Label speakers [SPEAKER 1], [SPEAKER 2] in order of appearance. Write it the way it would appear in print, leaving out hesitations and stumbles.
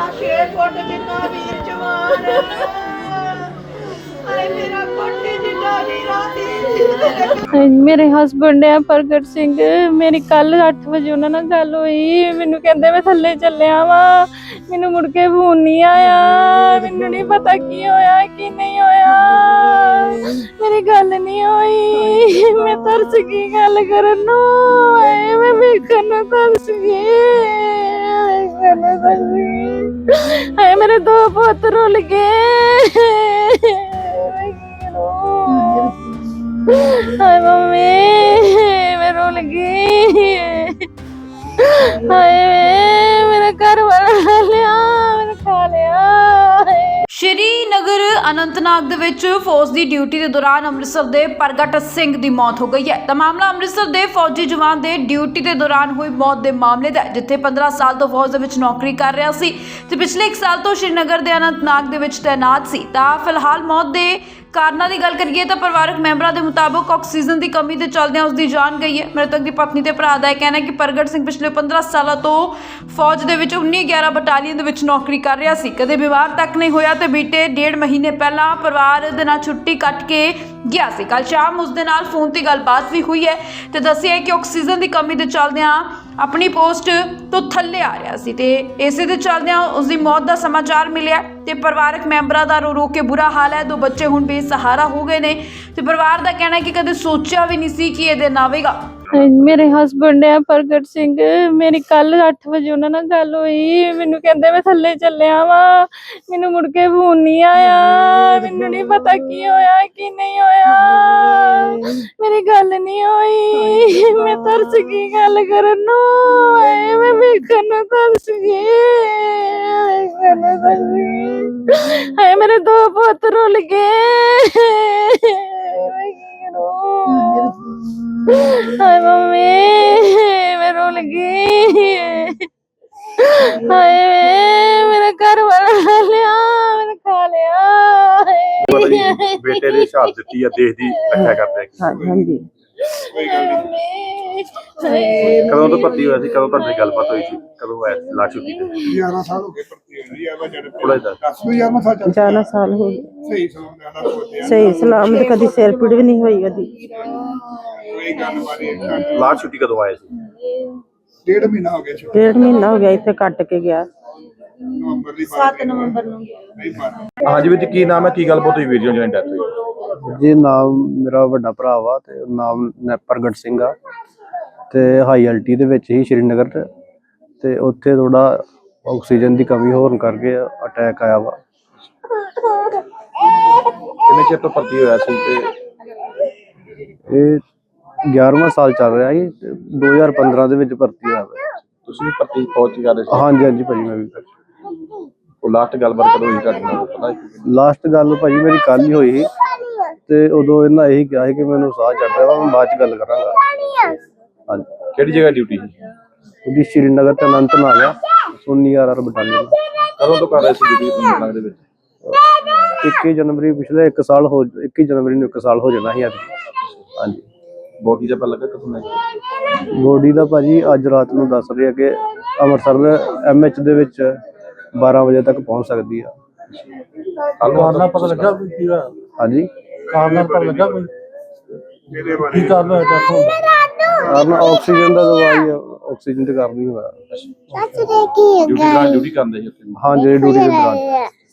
[SPEAKER 1] 6 ਫੁੱਟ ਜਿੰਨਾ ਵੀਰ ਜਵਾਨ ਹਾਏ ਮੇਰਾ ਕੋਟੀ ਜਿੱਡਾ ਹੀਰਾ ਦੀ
[SPEAKER 2] ਮੇਰੇ ਹਸਬੰਡ ਹੈ ਪ੍ਰਗਟ ਸਿੰਘ। ਮੇਰੀ ਕੱਲ 8 ਵਜੇ ਉਹਨਾਂ ਨਾਲ ਗੱਲ ਹੋਈ। ਮੈਨੂੰ ਕਹਿੰਦੇ ਮੈਂ ਥੱਲੇ ਚੱਲਿਆ ਵਾ, ਮੈਨੂੰ ਮੁੜ ਕੇ ਫੋਨ ਨਹੀਂ ਆਇਆ। ਮੈਨੂੰ ਨਹੀਂ ਪਤਾ ਕੀ ਹੋਇਆ ਕੀ ਨਹੀਂ ਹੋਇਆ, ਮੇਰੀ ਗੱਲ ਨਹੀਂ ਹੋਈ। ਮੈਂ ਤਰਸ ਗਈ ਗੱਲ ਕਰਨ ਨੂੰ, ਹਾਏ ਮੈਂ ਵੇਖਣ ਨੂੰ ਤਰਸ ਗਈ, ਵੇਖਣ ਨੂੰ ਤਰਸ ਗਈ। ਹਾਏ ਮੇਰੇ 2 ਪੁੱਤ ਰੁੱਲ ਗਏ। ਹਾਏ ਮੰਮੀ ਮੈਂ ਰੁੱਲ ਗਈ। ਹਾਏ ਮੇਰਾ ਘਰ ਵਾਲਾ ਲਿਆ, ਮੈਨੂੰ ਖਾ ਲਿਆ।
[SPEAKER 3] ਸ਼੍ਰੀਨਗਰ ਅਨੰਤਨਾਗ ਦੇ ਵਿੱਚ ਫੌਜ ਦੀ ਡਿਊਟੀ ਦੇ ਦੌਰਾਨ ਅੰਮ੍ਰਿਤਸਰ ਦੇ ਪ੍ਰਗਟ ਸਿੰਘ ਦੀ ਮੌਤ ਹੋ ਗਈ ਹੈ। ਤਾਂ ਮਾਮਲਾ ਅੰਮ੍ਰਿਤਸਰ ਦੇ ਫੌਜੀ ਜਵਾਨ ਦੇ ਡਿਊਟੀ ਦੇ ਦੌਰਾਨ ਹੋਈ ਮੌਤ ਦੇ ਮਾਮਲੇ ਦਾ ਹੈ, ਜਿੱਥੇ 15 ਸਾਲ ਤੋਂ ਫੌਜ ਦੇ ਵਿੱਚ ਨੌਕਰੀ ਕਰ ਰਿਹਾ ਸੀ ਤੇ ਪਿਛਲੇ 1 ਸਾਲ ਤੋਂ ਸ਼੍ਰੀਨਗਰ ਦੇ ਅਨੰਤਨਾਗ ਦੇ ਵਿੱਚ ਤੈਨਾਤ ਸੀ। ਤਾਂ ਫਿਲਹਾਲ ਮੌਤ ਦੇ ਕਾਰਨਾਂ ਦੀ ਗੱਲ ਕਰੀਏ ਤਾਂ ਪਰਿਵਾਰਕ ਮੈਂਬਰਾਂ ਦੇ ਮੁਤਾਬਕ ਆਕਸੀਜਨ ਦੀ ਕਮੀ ਦੇ ਚੱਲਦਿਆਂ ਉਸ ਦੀ ਜਾਨ ਗਈ ਹੈ। ਮ੍ਰਿਤਕ ਦੀ ਪਤਨੀ ਤੇ ਭਰਾ ਦਾ ਇਹ ਕਹਿਣਾ ਹੈ ਕਿ ਪ੍ਰਗਟ ਸਿੰਘ ਪਿਛਲੇ 15 ਸਾਲਾਂ ਤੋਂ ਫੌਜ ਦੇ ਵਿੱਚ 1911 ਬਟਾਲੀਅਨ ਦੇ ਵਿੱਚ ਨੌਕਰੀ ਕਰ ਰਿਹਾ ਸੀ। ਕਦੇ ਵਿਵਾਹ ਤੱਕ ਨਹੀਂ ਹੋਇਆ ਤੇ ਬੀਤੇ 1.5 ਮਹੀਨੇ ਪਹਿਲਾਂ ਪਰਿਵਾਰ ਦੇ ਨਾਲ ਛੁੱਟੀ ਕੱਟ ਕੇ ਗਿਆ ਸੀ। ਕੱਲ ਸ਼ਾਮ ਉਸ ਦੇ ਨਾਲ ਫੋਨ ਤੇ ਗੱਲਬਾਤ ਵੀ ਹੋਈ ਹੈ ਤੇ ਦੱਸਿਆ ਹੈ ਕਿ ਆਕਸੀਜਨ ਦੀ ਕਮੀ ਦੇ ਚੱਲਦਿਆਂ ਆਪਣੀ ਪੋਸਟ ਤੋਂ ਥੱਲੇ ਆ ਰਿਹਾ ਸੀ ਤੇ ਇਸੇ ਦੇ ਚੱਲਦਿਆਂ ਉਸ ਦੀ ਮੌਤ ਦਾ ਸਮਾਚਾਰ ਮਿਲਿਆ ਤੇ ਪਰਿਵਾਰਕ ਮੈਂਬਰਾਂ ਦਾ ਰੋ ਕੇ ਬੁਰਾ ਹਾਲ ਹੈ। 2 ਬੱਚੇ ਹੁਣ ਬੇਸਹਾਰਾ ਹੋ ਗਏ ਨੇ ਤੇ ਪਰਿਵਾਰ ਦਾ ਕਹਿਣਾ ਹੈ ਕਿ ਕਦੇ ਸੋਚਿਆ ਵੀ ਨਹੀਂ ਸੀ ਕਿ ਇਹ ਦਿਨ ਆਵੇਗਾ।
[SPEAKER 2] ਮੇਰੇ ਹਸਬੰਡ ਹੈ ਪ੍ਰਗਟ ਸਿੰਘ। ਮੇਰੀ ਕੱਲ 8 ਵਜੇ ਉਹਨਾਂ ਨਾਲ ਗੱਲ ਹੋਈ। ਮੈਨੂੰ ਕਹਿੰਦੇ ਮੈਂ ਥੱਲੇ ਚੱਲਿਆ ਵਾ, ਮੈਨੂੰ ਮੁੜ ਕੇ ਫੋਨ ਨਹੀਂ ਆਇਆ। ਮੈਨੂੰ ਨਹੀਂ ਪਤਾ ਕੀ ਹੋਇਆ ਕੀ ਨਹੀਂ ਹੋਇਆ, ਮੇਰੀ ਗੱਲ ਨਹੀਂ ਹੋਈ। ਮੈਂ ਤਰਸ ਗਈ ਗੱਲ ਕਰਨ ਨੂੰ, ਹਾਏ ਮੈਂ ਵੇਖਣ ਨੂੰ ਤਰਸ ਗਈ, ਵੇਖਣ ਨੂੰ ਤਰਸ ਗਈ। ਹਾਏ ਮੇਰੇ 2 ਪੁੱਤ ਰੁੱਲ ਗਏ। ਹਾਏ ਮੰਮੀ ਮੈਂ ਰੁੱਲ ਗਈ। ਹਾਏ ਮੇਰਾ ਘਰ ਵਾਲਾ ਲਿਆ, ਮੈਨੂੰ ਖਾ ਲਿਆ।
[SPEAKER 4] ਬੇਟੇ ਦੀ ਸ਼ਹਾਦਤ ਦਿੱਤੀ ਆ, ਦੇਸ਼ ਦੀ ਰੱਖਿਆ ਕਰਦੇ।
[SPEAKER 2] ਹਾਂਜੀ
[SPEAKER 4] ਕਦੋਂ ਤੋਂ ਭਰਤੀ ਹੋਇਆ ਸੀ, ਕਦੋਂ ਤੁਹਾਡੀ ਗੱਲਬਾਤ ਹੋਈ ਸੀ, ਕਦੋਂ ਹੋਇਆ ਲਾਸ਼ ਛੁੱਟੀ ਤੇ?
[SPEAKER 5] 11 ਸਾਲ ਹੋ ਗਏ ਭਰਤੀ ਹੋਈ ਆ।
[SPEAKER 4] ਥੋੜਾ ਜਿਹਾ
[SPEAKER 5] 11 ਸਾਲ ਚੱਲ
[SPEAKER 2] 11 ਸਾਲ ਹੋ ਗਏ।
[SPEAKER 5] ਸਹੀ ਸਲਾਮ
[SPEAKER 2] ਸਹੀ ਸਲਾਮਤ, ਕਦੀ ਸਿਰ ਪੀੜ ਵੀ ਨਹੀਂ ਹੋਈ ਉਹਦੀ।
[SPEAKER 5] ਕੋਈ ਗੱਲ ਬਾਰੇ
[SPEAKER 4] ਲਾਸ਼ ਛੁੱਟੀ ਕਦੋਂ ਆਇਆ ਸੀ?
[SPEAKER 5] 1.5 ਮਹੀਨਾ ਹੋ ਗਿਆ।
[SPEAKER 2] 1.5 ਮਹੀਨਾ ਹੋ ਗਿਆ, ਇੱਥੇ ਕੱਟ ਕੇ ਗਿਆ।
[SPEAKER 5] ਨਵੰਬਰ ਦੀ
[SPEAKER 1] 7 ਨਵੰਬਰ ਨੂੰ
[SPEAKER 5] ਨਹੀਂ ਪਾਣਾ।
[SPEAKER 4] ਹਾਂਜੀ ਵੀਰ ਜੀ, ਕੀ ਨਾਮ ਹੈ, ਕੀ ਗੱਲਬਾਤ ਹੋਈ ਵੀਰ ਜੀ ਜਿਹਨਾਂ ਦੀ ਡੈਥ ਹੋਈ?
[SPEAKER 6] ਜੀ ਨਾਮ ਮੇਰਾ ਵੱਡਾ ਭਰਾ ਵਾ ਤੇ ਨਾਮ ਪ੍ਰਗਟ ਸਿੰਘ ਆ ਤੇ ਹਾਈ ਅਲਟੀ ਦੇ ਵਿੱਚ ਹੀ ਸ਼੍ਰੀਨਗਰ ਤੇ ਉੱਥੇ ਥੋੜਾ ਆਕਸੀਜਨ ਦੀ ਕਮੀ ਹੋਣ ਕਰਕੇ ਅਟੈਕ ਆਇਆ ਵਾ।
[SPEAKER 4] ਕਿੰਨੇ ਚਿਰ ਤੋਂ ਭਰਤੀ ਹੋਇਆ ਸੀ ਤੇ
[SPEAKER 6] ਇਹ 11ਵਾਂ ਸਾਲ ਚੱਲ ਰਿਹਾ ਸੀ ਤੇ 2015 ਦੇ ਵਿੱਚ ਭਰਤੀ ਹੋਇਆ ਵਾ।
[SPEAKER 4] ਤੁਸੀਂ ਭਰਤੀ ਫੌਜ ਚ ਕਰਦੇ ਸੀ?
[SPEAKER 6] ਹਾਂਜੀ ਹਾਂਜੀ ਭਾਜੀ, ਮੈਂ ਵੀ
[SPEAKER 4] ਉਹ ਲਾਸਟ ਗੱਲਬਾਤ ਕਦੋਂ ਹੋਈ ਤੁਹਾਡੇ ਨਾਲ, ਪਤਾ ਹੈ?
[SPEAKER 6] ਲਾਸਟ ਗੱਲ ਭਾਜੀ ਮੇਰੀ ਕੱਲ ਹੀ ਹੋਈ ਸੀ ਤੇ ਉਦੋਂ ਇਹਨਾਂ ਇਹੀ ਕਿਹਾ ਸੀ ਕਿ ਮੈਨੂੰ ਸਾਹ ਚੜ ਰਿਹਾ ਵਾ, ਮੈਂ ਬਾਅਦ ਚ ਗੱਲ ਕਰਾਂਗਾ। ਹਾਂਜੀ।
[SPEAKER 4] ਕਿਹੜੀ ਜਗ੍ਹਾ ਡਿਊਟੀ ਸੀ?
[SPEAKER 6] ਉਹਦੀ ਸ਼੍ਰੀਨਗਰ ਤੇ ਅਨੰਤਨਾਗ ਆ 1911 ਬਟਾਲੀਅਨ।
[SPEAKER 4] ਕਦੋਂ ਤੋਂ ਕਰ ਰਹੇ ਸੀ ਡਿਊਟੀ ਅਨੰਤਨਾਗ ਦੇ ਵਿੱਚ?
[SPEAKER 6] 21 ਜਨਵਰੀ ਪਿਛਲੇ 1 ਸਾਲ ਹੋ 21 ਜਨਵਰੀ ਨੂੰ 1 ਸਾਲ ਹੋ ਜਾਣਾ ਸੀ ਅੱਜ। ਹਾਂਜੀ।
[SPEAKER 4] ਬੋਡੀ ਦਾ ਪਤਾ ਲੱਗਾ ਕਦੋਂ ਲੱਗਾ?
[SPEAKER 6] ਬੋਡੀ ਦਾ ਭਾਜੀ ਅੱਜ ਰਾਤ ਨੂੰ ਦੱਸ ਰਿਹਾ ਕਿ ਅੰਮ੍ਰਿਤਸਰ MH ਦੇ ਵਿੱਚ 12 ਵਜੇ ਤੱਕ ਪਹੁੰਚ ਸਕਦੀ ਆ।
[SPEAKER 4] ਕਾਰਨ ਪਤਾ ਲੱਗਾ ਕੀ ਹੋਇਆ?
[SPEAKER 6] ਹਾਂਜੀ।
[SPEAKER 4] ਕਾਰਨ ਪਤਾ ਲੱਗਾ ਕੋਈ
[SPEAKER 5] ਮੇਰੇ ਬਾਰੇ
[SPEAKER 4] ਕੀ ਕਾਰਨ ਹੋਇਆ ਡੈਥ ਹੋਣ ਦਾ?
[SPEAKER 6] ਕਾਰਨ ਆਕਸੀਜਨ ਦਾ ਦਵਾਈ ਆਕਸੀਜਨ ਤੇ ਕਾਰਨ ਹੀ ਹੋਇਆ।
[SPEAKER 4] ਡਿਊਟੀ ਕਰਦੇ ਸੀ ਉੱਥੇ?
[SPEAKER 6] ਹਾਂ ਜਿਹੜੀ ਡਿਊਟੀ ਦੇ ਦੌਰਾਨ